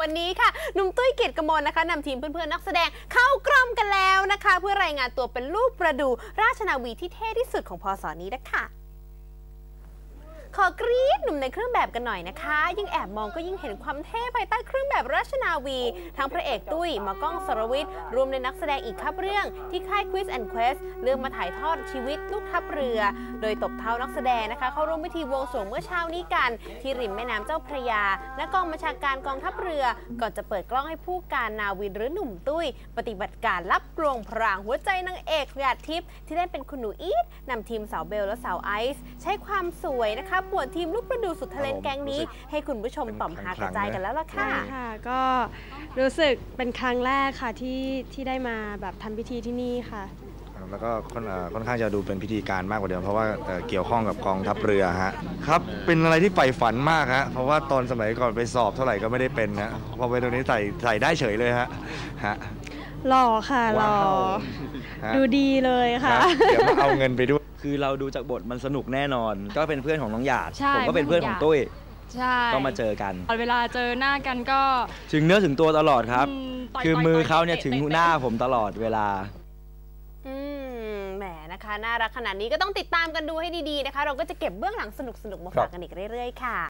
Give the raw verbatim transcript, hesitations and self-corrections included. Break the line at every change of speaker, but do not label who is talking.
วันนี้ค่ะหนุ่มตุ้ยเกียรติกมลนะคะนำทีมเพื่อนๆนักแสดงเข้ากรมกันแล้วนะคะเพื่อรายงานตัวเป็นลูกประดูราชนาวีที่เท่ที่สุดของพศนี้นะคะขอกรี๊ดหนุ่มในเครื่องแบบกันหน่อยนะคะยิ่งแอบมองก็ยิ่งเห็นความเท่ภายใต้เครื่องแบบราชนาวีทั้งพระเอกตุ้ยหมอกล้องสรวิทย์รวมในนักแสดงอีกครับเรื่องที่ค่าย Quiz and Quest เรื่องมาถ่ายทอดชีวิตลูกทัพเรือโดยตบเท้านักแสดงนะคะเข้าร่วมพิธีบวงสรวงเมื่อเช้านี้กันที่ริมแม่น้ำเจ้าพระยาและกองบัญชาการกองทัพเรือก่อนจะเปิดกล้องให้ผู้การนาวินหรือหนุ่มตุ้ยปฏิบัติการรับกลวงพรางหัวใจนางเอกหยาดทิพย์ที่ได้เป็นคุณหนูอีทนำทีมสาวเบลและสาวไอซ์ใช้ความสวยนะคะป่วนทีมลูกดูสุดทะเลนแกงนี้ให้คุณผู้ชมต่อมหากระจายกันแล้วล่ะค่ะ
ค่ะก็รู้สึกเป็นครั้งแรกค่ะที่ที่ได้มาแบบทำพิธีที่นี่ค่ะ
แล้วก็ค่อนข้างจะดูเป็นพิธีการมากกว่าเดิมเพราะว่าเกี่ยวข้องกับกองทัพเรือฮะครับเป็นอะไรที่ใฝ่ฝันมากฮะเพราะว่าตอนสมัยก่อนไปสอบเท่าไหร่ก็ไม่ได้เป็นนะพอไปตรงนี้ใส่ใส่ได้เฉยเลยฮะฮะ
หล่อค่ะหล่อดูดีเลยค่ะ
เดี๋ยวมาเอาเงินไปด้วย
คือเราดูจากบทมันสนุกแน่นอนก็เป็นเพื่อนของน้องหยาดผมก็เป็นเพื่อนของตุ้ยก็มาเจอกัน
เวลาเจอหน้ากันก็
ถึงเนื้อถึงตัวตลอดครับคือมือเขาเนี่ยถึงหน้าผมตลอดเวลา
อืมแหมนะคะน่ารักขนาดนี้ก็ต้องติดตามกันดูให้ดีๆนะคะเราก็จะเก็บเบื้องหลังสนุกๆมาฝากกันอีกเรื่อยๆค่ะ